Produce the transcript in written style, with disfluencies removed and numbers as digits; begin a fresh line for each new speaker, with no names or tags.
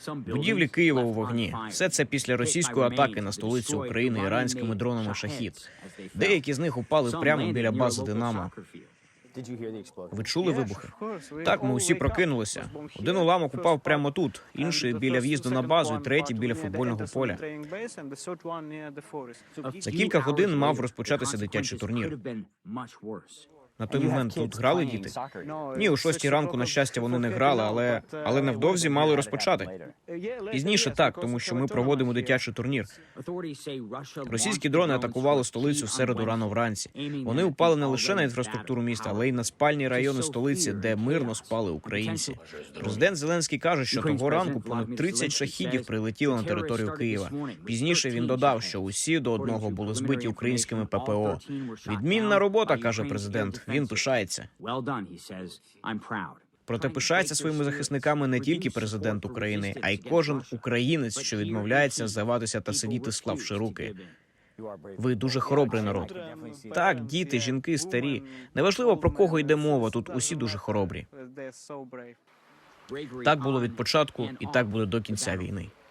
Будівлі Києва у вогні. Все це після російської атаки на столицю України іранськими дронами «Шахід». Деякі з них упали прямо біля бази «Динамо». Ви чули вибухи? Так, ми усі прокинулися. Один уламок упав прямо тут, інший біля в'їзду на базу, і третій біля футбольного поля. За кілька годин мав розпочатися дитячий турнір. На той момент тут грали діти? Ні, о 6 ранку, на щастя, вони не грали, але невдовзі мали розпочати. Пізніше так, тому що ми проводимо дитячий турнір. Російські дрони атакували столицю в середу рано вранці. Вони упали не лише на інфраструктуру міста, але й на спальні райони столиці, де мирно спали українці. Президент Зеленський каже, що того ранку понад 30 шахідів прилетіло на територію Києва. Пізніше він додав, що усі до одного були збиті українськими ППО. Відмінна робота, каже президент. Він пишається. Проте пишається своїми захисниками не тільки президент України, а й кожен українець, що відмовляється здаватися та сидіти, склавши руки. Ви дуже хоробрий народ. Так, діти, жінки, старі. Неважливо, про кого йде мова, тут усі дуже хоробрі. Так було від початку, і так буде до кінця війни.